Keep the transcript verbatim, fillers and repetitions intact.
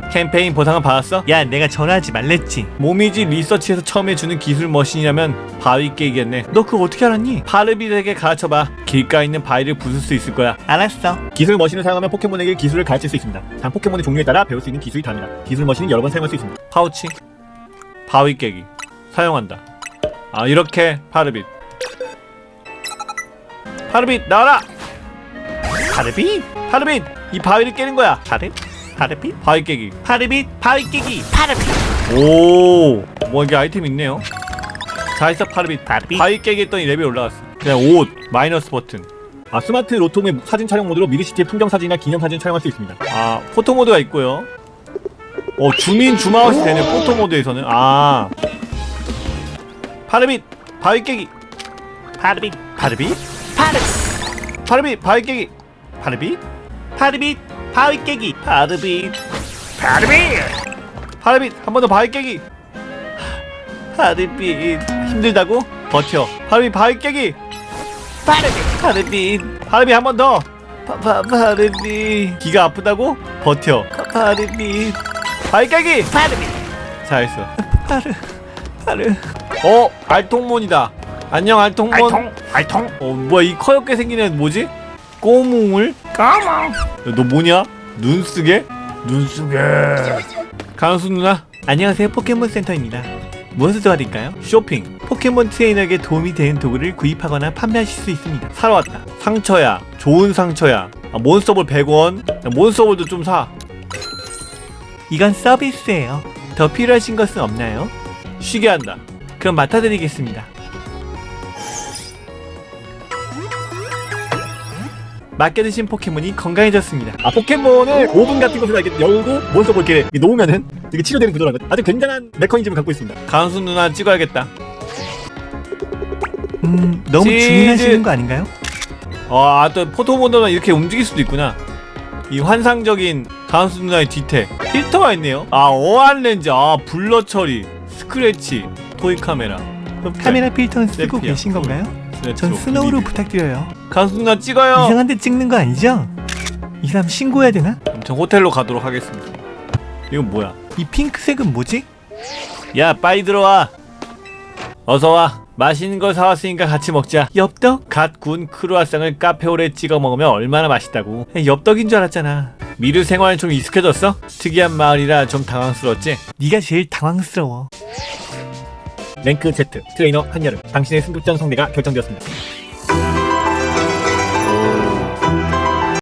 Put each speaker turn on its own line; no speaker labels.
캠페인 보상은 받았어?
야, 내가 전화하지 말랬지.
모미지 리서치에서 처음 해주는 기술 머신이라면 바위 깨기겠네.
너 그거 어떻게 알았니?
파르빗에게 가르쳐봐. 길가에 있는 바위를 부술 수 있을 거야.
알았어.
기술 머신을 사용하면 포켓몬에게 기술을 가르칠 수 있습니다. 단 포켓몬의 종류에 따라 배울 수 있는 기술이 다릅니다. 기술 머신은 여러 번 사용할 수 있습니다.
파우치 바위 깨기 사용한다. 아 이렇게 파르빗 파르빗 나와라.
파르빗,
파르빗 이 바위를 깨는 거야.
파르, 파르빗,
바위 깨기.
파르빗, 바위 깨기, 파르빗.
오, 뭐 이게 아이템 있네요. 자, 있어 파르빗.
파르빗.
바위 깨기 했더니 레벨 올라갔어. 그냥 옷 마이너스 버튼.
아, 스마트 로톰의 사진 촬영 모드로 미드시티의 풍경 사진이나 기념 사진 촬영할 수 있습니다.
아, 포토 모드가 있고요. 어, 줌인 줌아웃이 되네. 포토 모드에서는. 아, 파르빗 바위 깨기.
파르빗,
파르빗
파르빗,
파르빗 바위 깨기. 파르빗
파르빗, 바위 깨기, 파르빗, 파르빗,
파르빗 한 번 더 바위 깨기.
파르빗,
힘들다고? 버텨. 파르빗 바위 깨기.
파르빗, 파르빗,
파르빗 한 번 더.
파, 파, 파르빗,
기가 아프다고? 버텨.
파르빗,
바위 깨기.
파르빗,
잘했어.
파르, 파르.
어, 알통몬이다. 안녕 알통몬.
알통, 알통,
어, 뭐야 이 커엽게 생긴 애 뭐지? 꼬뭉을?
까망.
너 뭐냐? 눈 쓰게? 눈 쓰게. 강수 누나,
안녕하세요, 포켓몬 센터입니다. 무엇을 도와드릴까요?
쇼핑
포켓몬 트레이너에게 도움이 되는 도구를 구입하거나 판매하실 수 있습니다.
사러 왔다. 상처야. 좋은 상처야. 아, 몬스터볼 백 원. 야, 몬스터볼도 좀 사.
이건 서비스예요. 더 필요하신 것은 없나요?
쉬게 한다.
그럼 맡아드리겠습니다. 맡겨두신 포켓몬이 건강해졌습니다.
아, 포켓몬을 오븐 같은 것으로 이렇게 열고 몬스터볼 이렇게 놓으면은 되게 치료되는 구조라는 거. 아주 굉장한 메커니즘을 갖고 있습니다.
강수 누나 찍어야겠다.
음, 너무
치즈.
주문하시는 거 아닌가요?
아, 또 포토모드는 이렇게 움직일 수도 있구나. 이 환상적인 강수 누나의 뒤태 필터가 있네요. 아, 어안 렌즈, 아 블러 처리, 스크래치, 토이 카메라.
카메라 필터는 쓰고
셀피야.
계신 건가요?
네,
전
저
스노우로
미리.
부탁드려요.
강수 누나 찍어요.
이상한 데 찍는 거 아니죠? 이 사람 신고해야 되나?
전 호텔로 가도록 하겠습니다. 이건 뭐야?
이 핑크색은 뭐지?
야, 빨리 들어와. 어서 와. 맛있는 걸 사왔으니까 같이 먹자.
엽떡?
갓 구운 크루아상을 카페오레 찍어 먹으면 얼마나 맛있다고.
야, 엽떡인 줄 알았잖아.
미르 생활에 좀 익숙해졌어? 특이한 마을이라 좀 당황스러웠지?
네가 제일 당황스러워.
랭크 Z 트레이너 한여름. 당신의 승급전 성대가 결정되었습니다.